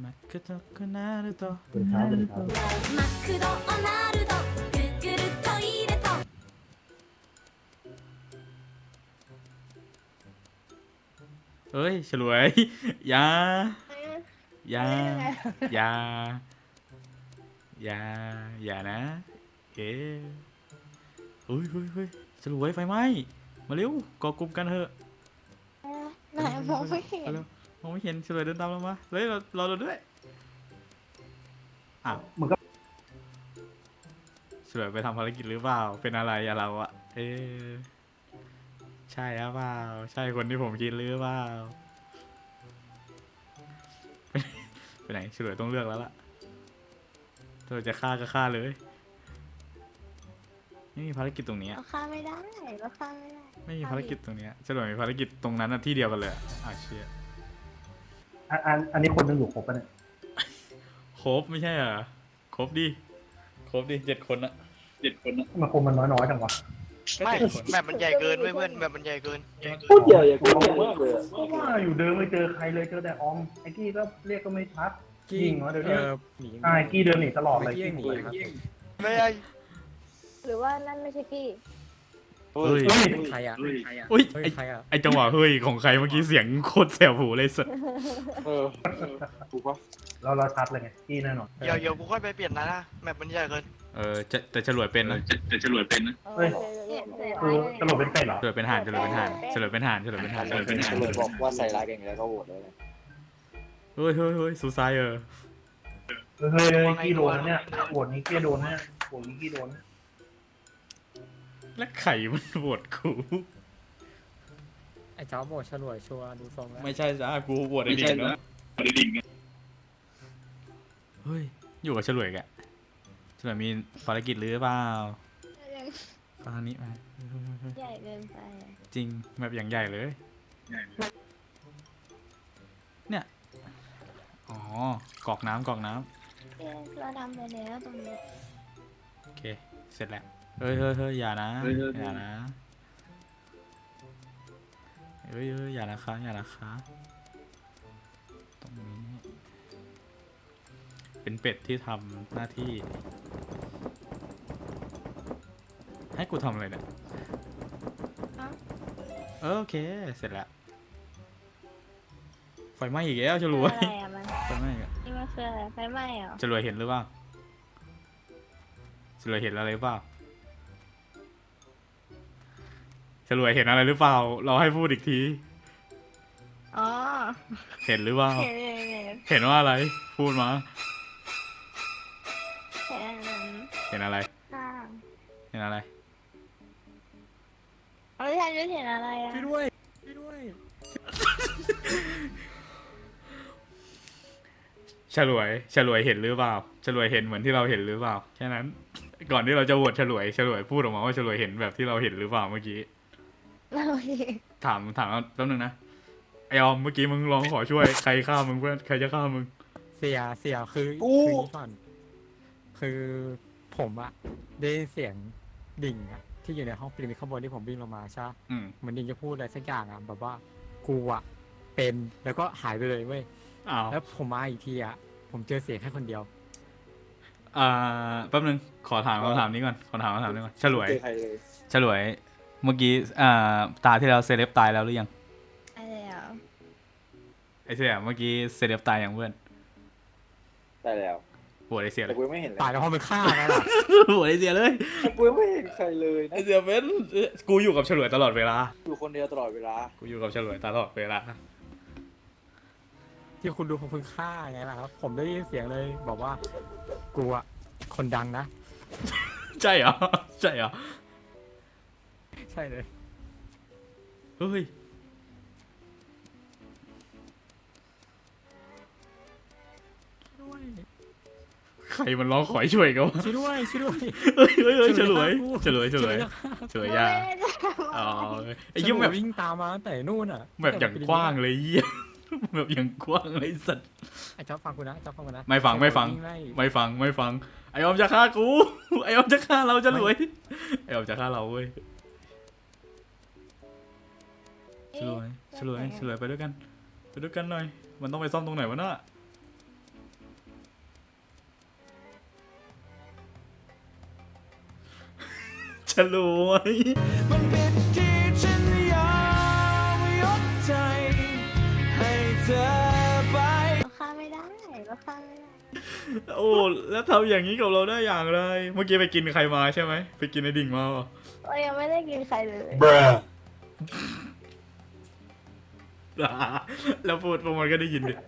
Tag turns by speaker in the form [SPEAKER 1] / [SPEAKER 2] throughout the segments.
[SPEAKER 1] マクドナルド
[SPEAKER 2] ตื่นเช้าตื่นเช้า
[SPEAKER 3] マクドナルドグーグルトイレと
[SPEAKER 1] เอ้ยฉลวยอย่าอย่าอย่าอย่าอย่านะเอ๊ะเฮ้ยเฮ้ยเฮ้ยฉลวยไฟไหม้มาเร็วก่อกลุ่มกันเถอะ
[SPEAKER 4] ไหนมองไม่เห็น
[SPEAKER 1] มาเร็วมองไม่เห็นฉลวยเดินตามเรามาเฮ้ยเราด้วยอ้าว
[SPEAKER 2] มึงก็
[SPEAKER 1] ฉลวยไปทำภารกิจหรือเปล่าเป็นอะไรอะเราอะเอ๊ะใช่หรือเปล่าใช่คนที่ผมคิดหรือเปล่าไปไหนฉลวยต้องเลือกแล้วล่ะถ้าเราจะฆ่าก็ฆ่าเลยไม่มีภารกิจตรงนี้
[SPEAKER 4] เราฆ่าไม่ได้เราฆ่าไม่ได้
[SPEAKER 1] ไม่มีภารกิจตรงเนี้ยฉลวยมีภารกิจตรงนั้นนะที่เดียวกันเลยอะเชี่ย
[SPEAKER 2] อันนี้คนนึงอยู่ครบปะเนี่ย
[SPEAKER 1] ครบไม่ใช่เหรอครบดิ7 คนอะ
[SPEAKER 2] ทำไมาคนมันน้อยๆจังวะ
[SPEAKER 1] ก็
[SPEAKER 5] ไม่
[SPEAKER 1] 7 คน
[SPEAKER 5] แบบมันใหญ่เกินเว้ยเพื่อนแบบมันใหญ่เกิน
[SPEAKER 6] พูดใหญ่อะพูดใหญ่มากเลยอะ
[SPEAKER 2] ก็ว่าอยู่เดินไม่เจอใครเลยเจอแต่ออมไอ้กี้ก็เรียกก็ไม่ชัดยิงเหรอเดี๋ยวนี้ไอ้กี้เดินหนีตลอดเลยกี้หนีครับ
[SPEAKER 5] ไม่ใช่
[SPEAKER 4] หรือว่านั่นไม่ใช่กี้
[SPEAKER 1] เฮ้ย
[SPEAKER 6] ใครอะ
[SPEAKER 1] อุ้ย
[SPEAKER 6] เฮ้ย
[SPEAKER 1] ไอ้
[SPEAKER 6] ใครอะ
[SPEAKER 1] ไอจังหวะเฮ้ยของใครเมื่อกี้เสียงโคตรแสบหูเลยสัส
[SPEAKER 6] ถูกปะ
[SPEAKER 2] เราชัดเลยไงกี้แน่นอน
[SPEAKER 5] เดี๋ยวกูค่อยไปเปลี่ยนนะแบบมันใหญ่เกิน
[SPEAKER 1] แต่ฉลวยเป็นนะ
[SPEAKER 2] เฮ้ย คือตลกเป็นเป็ดเหรอ
[SPEAKER 1] ฉลวยเป็นห่านฉลวยเป็นห่านฉลวยเป็นห่านฉลวยเป็นห่านฉลวยเป็นห่าน
[SPEAKER 6] เลยบอกว่าใส่ร้ายกันแล้วก็โหวตเลย
[SPEAKER 1] เฮ้ยซูซาย
[SPEAKER 2] เฮ้ยกี้โดนนะเนี่ยโหวตนี้กี้โดนเนี่ยโหวตนี้กี้โดน
[SPEAKER 1] และไข่มันโหวตกู
[SPEAKER 6] ไอ้เจ้าโหวตฉลวยชัวร์ดูทรงแล้ว
[SPEAKER 1] ไม่ใช่จ้ากูโหวตไอ้ดิ่งเนาะเฮ้ยอยู่กับฉลวยแกฉลวยมีภารกิจหรือเปล่าตอนนี้มา
[SPEAKER 4] ใหญ่เกินไปอะ
[SPEAKER 1] จริงแบบอย่างใหญ่เลย เนี่ย อ๋อกรอกน้ำ
[SPEAKER 4] เอ๊ะเราทำไปแล้วตรงนี้
[SPEAKER 1] โอเค เสร็จแล้ว เฮ้ยอย่านะ อย่านะ เฮ้ยอย่านะคะตรงนี้ เป็นเป็ดที่ทำหน้าที่ ให้กูทำอะไรเนี่ยโอเค เสร็จแล้ว ไฟไหม้อีกแล้วจะรวย
[SPEAKER 4] อะไรอะมัน
[SPEAKER 1] ไฟไหม้อีกแล้ว
[SPEAKER 4] นี่มันคืออะไรไฟไหม้เหรอ
[SPEAKER 1] จะรวยเห็นหรือเปล่าจะรวยเห็นอะไรหรือเปล่าจะรวยเห็นอะไรหรือเปล่า เราให้พูดอีกที
[SPEAKER 4] อ๋อ
[SPEAKER 1] เห็นหรือเปล่า
[SPEAKER 4] เห็นเห็นเห็น
[SPEAKER 1] เห็นว่าอะไร พูดมา
[SPEAKER 4] เห็นอันนั้น
[SPEAKER 1] เห็นอะไร
[SPEAKER 4] ข้าง
[SPEAKER 1] เห็นอะไร
[SPEAKER 4] เอาที่ทันจะเห็นอะไรอะ
[SPEAKER 6] ช่วยด้วย
[SPEAKER 1] ฉลวยเห็นหรือเปล่าฉลวยเห็นเหมือนที่เราเห็นหรือเปล่า แค่นั้น ก่อนที่เราจะโหวตฉลวยพูดออกมาว่าฉลวยเห็นแบบที่เราเห็นหรือเปล่าเมื่อกี้
[SPEAKER 4] เราเห็น
[SPEAKER 1] ถามแป๊บนึงนะ ไอออมเมื่อกี้มึงร้องขอช่วย ใครฆ่ามึงเพื่อน ใครจะฆ่ามึง
[SPEAKER 6] เสียคือนี้ก่อนคือผมอะได้ยินเสียงดิ่งอะที่อยู่ในห้องพีระมิดข้างบนที่ผมวิ่งลงมาใช่ปะ
[SPEAKER 1] อืม
[SPEAKER 6] เหมือนดิ่งจะพูดอะไรสักอย่างอะแบบว่ากูอะเป็นแล้วก็หายไปเลยเว้ย
[SPEAKER 1] อ้าว
[SPEAKER 6] แล้วผมมาอีกทีอะผมเจอเสียงแค่คนเดียว
[SPEAKER 1] แป๊บนึง ขอถามคำถามนี้ก่อน ฉลวย
[SPEAKER 6] ใครเลย
[SPEAKER 1] ฉลวย เมื่อกี้ ตาที่แล้วเซเลบตายแล้วหรือยัง
[SPEAKER 4] อะไรอ่ะ
[SPEAKER 1] ไอเสี่ยเมื่อกี้เซเลบตายยังเพื่อน
[SPEAKER 7] ได้แล้ว
[SPEAKER 1] โหวตไอเสี่ยเล
[SPEAKER 7] แต่
[SPEAKER 1] ย
[SPEAKER 7] กูยังไม่เห็นเลย
[SPEAKER 6] ตายแล้วพอมันฆ่าไงล่ะ
[SPEAKER 1] โหวตไอเสี่ยเลย
[SPEAKER 7] กูยังไม่เห็นใครเลย
[SPEAKER 1] ไอ
[SPEAKER 7] นะ
[SPEAKER 1] เสี่ยเป็นกูอยู่กับฉลวยตลอดเวลา
[SPEAKER 7] อยู่คนเดียวตลอดเวลา
[SPEAKER 1] กูอยู่กับฉลวยตลอดเวลา
[SPEAKER 6] ที่คุณดูผมเพิ่งฆ่าไงล่ะครับ ผมได้ยินเสียงเลยบอกว่ากูอะคนดังนะ
[SPEAKER 1] ใช่เหรอ
[SPEAKER 6] ใช่เลย
[SPEAKER 1] เฮ้ย ใครมันร้องขอให้ช่วยกันวะ
[SPEAKER 6] ช่วยด้วย
[SPEAKER 1] เฮ้ยฉลวยยาอ๋อไอ้
[SPEAKER 6] ไอ้
[SPEAKER 1] เหี้
[SPEAKER 6] ยิ้
[SPEAKER 1] ย
[SPEAKER 6] ม
[SPEAKER 1] แบบ
[SPEAKER 6] วิ่งตามมาตั้งแต่นู่นอ่ะ
[SPEAKER 1] แบบอย่างกว้างเลยเหี้ยแบบอย่างกว้างเลยสัตว์
[SPEAKER 6] ไอ้เจ้าฟังกูนะ
[SPEAKER 1] ไม่ฟัง ไออมจะฆ่ากู ไอออมจะฆ่าเราฉลวย ไอออมจะฆ่าเราเว้ยฉลวยไปด้วยกันหน่อย มันต้องไปซ่อมตรงไหนวะน่ะลวยมันผิดที่ฉันยอมยกใจให้เธอไป
[SPEAKER 4] เราฆ่าไม่ได้เราฆ่าไม่ได้
[SPEAKER 1] โอ้แล้วทำอย่างนี้กับเราได้อย่างไรเมื่อกี้ไปกินใครมาใช่ไหมไปกินไอ้ดิ่งมาเปล่า
[SPEAKER 4] เรายังไม่ได้กินใครเลย
[SPEAKER 1] แล้วพูดพวกมันก็ได้ยินดิ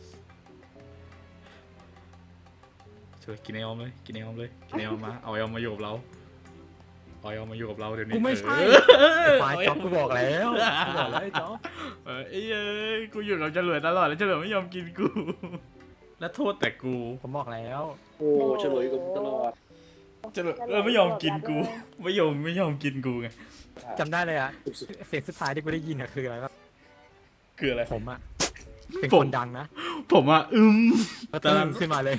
[SPEAKER 1] ช่วยกินไอออมเลยกินไอออมเลยกินไอออมมาเอาไอออมมาอยู่กับเราเอาไอออมมาอยู่กับเราเดี๋ยวนี้
[SPEAKER 6] กูไม่ใช่ ควายจ๊อบกูบอกแล้วกูบอกแล้วไอ้จ๊อบ
[SPEAKER 1] เอ้ยกูอยู่กับเฉลยตลอดแล้วเฉลยไม่ยอมกินกู แล้วโทษแต่กู
[SPEAKER 6] ผมบอกแล้ว
[SPEAKER 7] โอ้เฉลยกับตลอด
[SPEAKER 1] เฉลยไม่ยอมกินกูไม่ยอมกินกูไง
[SPEAKER 6] จำได้เลยอะเสียงสุดท้ายที่กูได้ยินอะคืออะไรวะ
[SPEAKER 1] คืออะไร
[SPEAKER 6] ผมอะเป็น
[SPEAKER 1] ผ
[SPEAKER 6] ค
[SPEAKER 1] ม
[SPEAKER 6] นดังนะ
[SPEAKER 1] ผมอ่ะ
[SPEAKER 6] ก็ตื่นขึ้นมาเลย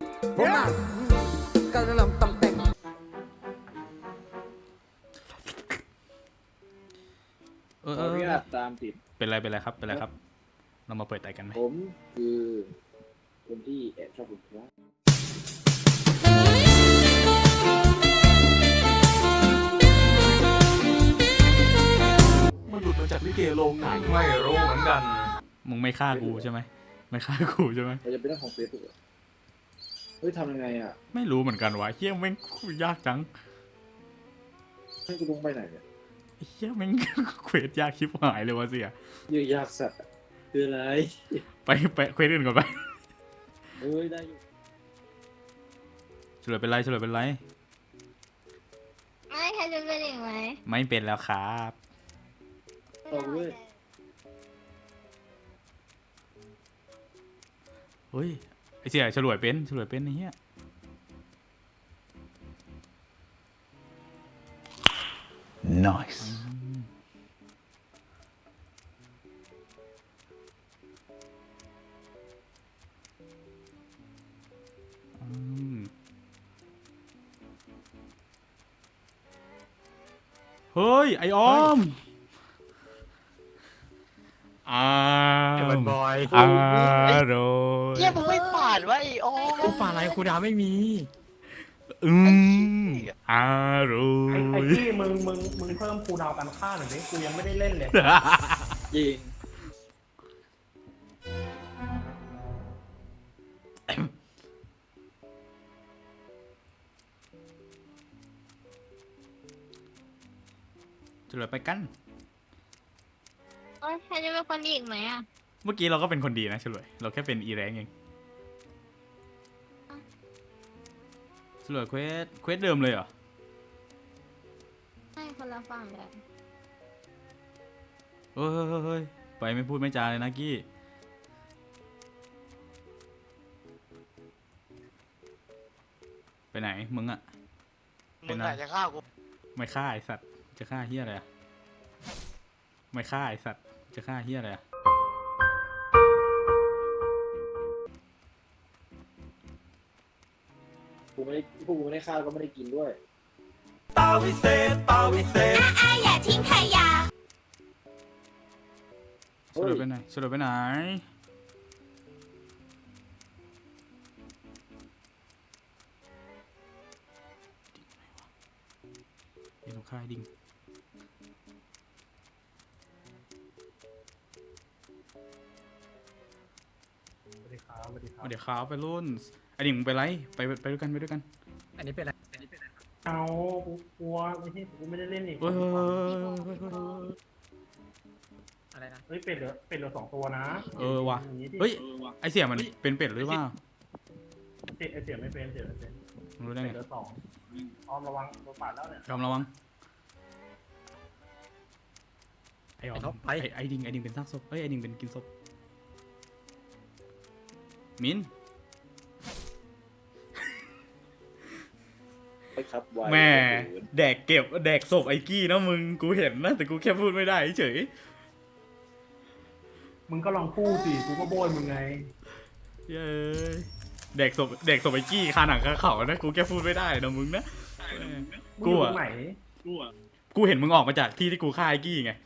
[SPEAKER 1] เออ
[SPEAKER 7] ขออนุญาตตามติด
[SPEAKER 1] เป็นไรครับเป็นไรครับ เรามาเปิดไต่กันไหม
[SPEAKER 7] ผมคือคนที่แอบชอบคุณครับ
[SPEAKER 8] มันหลุดมาจากลิเกโรงหนังไม่รู้เหมือนกัน
[SPEAKER 1] มึงไม่ฆ่ากูใช่ไหมไม่ฆ่ากูใช่ไหม
[SPEAKER 7] เราจะเป็นเรื่องของเฟซบุ๊กเฮ้ยทำยังไงอ่ะ
[SPEAKER 1] ไม่รู้เหมือนกันวะเฮี้ยแม่งยากจัง
[SPEAKER 7] ให้กูลงไปไหนเนี่ย
[SPEAKER 1] เฮี้ยแม่ง เควสยากชิบหายเลยวะเสีย
[SPEAKER 7] ยืดยากสัตว์อะคืออะไร
[SPEAKER 1] ไปเควสอื่นก่อนไป
[SPEAKER 7] เฮ้ยได้อยู่
[SPEAKER 1] เฉลยเป็นไร
[SPEAKER 4] ไม่ใครจะเป็นอีกไหม
[SPEAKER 1] ไม่เป็นแล้วครับ
[SPEAKER 7] เอาเว้ย
[SPEAKER 1] เฮ้ยไอเสียเฉลยเป็นไอ้เหี้ยอืมเฮ้ย ไอออม
[SPEAKER 6] ไอ้บอลบอย
[SPEAKER 1] อร่อย
[SPEAKER 5] เฮียมึงไม่ปาดวะไอ้โอ้
[SPEAKER 6] กูป่าอะไรกูดาไม่มี
[SPEAKER 1] อร่อ
[SPEAKER 2] ไอ้
[SPEAKER 1] ย
[SPEAKER 2] กี้มึงเพิ่มคูลดาวน์การฆ่าหน่อยดิกูยังไม่ได้เล่นเลย
[SPEAKER 7] จริง
[SPEAKER 1] เฉลยไปกัน
[SPEAKER 4] โอ้ยใครจะเป็นคนอีกไหมอ่ะ
[SPEAKER 1] เมื่อกี้เราก็เป็นคนดีนะเฉลยเราแค่เป็นอีแรงเองเฉลยเควสเดิมเลยเหรอ
[SPEAKER 4] ใช่คนละฝั่งเลย
[SPEAKER 1] เฮ้ยไปไม่พูดไม่จาเลยนะกี้ไปไหนมึงอะ
[SPEAKER 5] มึงอาจจะฆ่ากู
[SPEAKER 1] ไม่ฆ่าไอสัตว์จะฆ่าเฮียอะไรอะไม่ฆ่าไอสัตว์จะฆ่าเฮียอะไรอะ
[SPEAKER 7] กูไม่ได้พวกกูไม่ได้ฆ่าก็ไม่ได้กินด้วย
[SPEAKER 3] อย่าทิ้งขยะ
[SPEAKER 1] เฉลยไปไหนเฉลยไปไหนเดี๋ยวต้องฆ่าไอ้ดิ่ง
[SPEAKER 2] สวัสดีครับสวัสดีครับ
[SPEAKER 1] เดี๋ยวขาวไปรุ่นไอ้ดิ่งมึงไปไรไปด้วยกันไปด้วยกัน
[SPEAKER 6] อันนี้เป็นอะไร
[SPEAKER 2] เอากูกลัวไม่ใช่กูไม่ได้เล่นอีก
[SPEAKER 1] เฮ้ย
[SPEAKER 6] อะไรนะ
[SPEAKER 2] เฮ้ยเป็ดเหลือ2 ตัวนะ
[SPEAKER 1] ว่ะ
[SPEAKER 2] อย่างนี้ดิ
[SPEAKER 1] เฮ้ยไอเสียมันเป็นเป็ดหรือเปล่า
[SPEAKER 2] เสียไม่เป็นเสียไม่เป็น
[SPEAKER 1] มึงรู้ได้
[SPEAKER 2] เป็
[SPEAKER 1] ไง
[SPEAKER 2] ดเหลือ2ออมระวังโดนปาดแล้วเนี่ย
[SPEAKER 1] ยอมระวังไอ้ออมไอ้ดิ่งเป็นซากศพเอ้ยไอ้ดิ่งเป็นกินศพมิน
[SPEAKER 7] ไปครับไว
[SPEAKER 1] แม่แดกศพไอ้กี้นะมึงกูเห็นนะแต่กูแค่พูดไม่ได้เฉย
[SPEAKER 2] มึงก็ลองพูดสิกูก็โบยมึงไง
[SPEAKER 1] เย้ยแดกศพไอ้กี้คาหนังคาเขานะกูแค่พูดไม่ได้นะมึงนะ
[SPEAKER 2] มึง
[SPEAKER 1] กู
[SPEAKER 2] อยู่ต
[SPEAKER 1] อะ
[SPEAKER 2] รงไหน
[SPEAKER 1] กูเห็นมึงออกมาจากที่กูฆ่าไอ้กี้ไง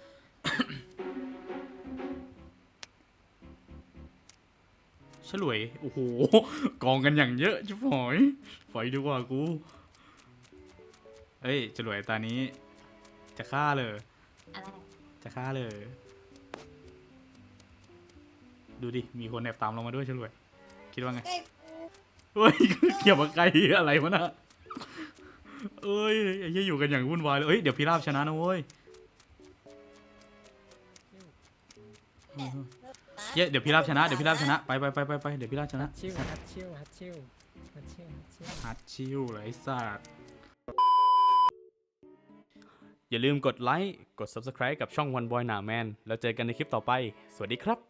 [SPEAKER 1] ฉลวยโอ้โหกองกันอย่างเยอะชิบหอยไฟดีกว่ากูเอ้ยฉลวยตานี้ จะฆ่าเลย
[SPEAKER 4] อะไร
[SPEAKER 1] จะฆ่าเลย ดูดิ มีคนแอบตามเรามาด้วยฉลวย คิดว่าไงเฮ้ย เกี่ยวกับไกลอะไรวะน่ะเอ้ยไอ้เหี้ยอยู่กันอย่างวุ่นวายเลยเอ้ย เดี๋ยวพิราบชนะนะเว้ยเดี๋ยวพิราบชนะ เดี๋ยวพิราบชนะ ไป เดี๋ยวพิราบชนะ
[SPEAKER 6] ฮัดชิว
[SPEAKER 1] ฮัดชิลเลยไอ้สัตว์อย่าลืมกดไลค์ กด Subscribe กับช่อง One Boy หนาแมนแล้วเจอกันในคลิปต่อไป สวัสดีครับ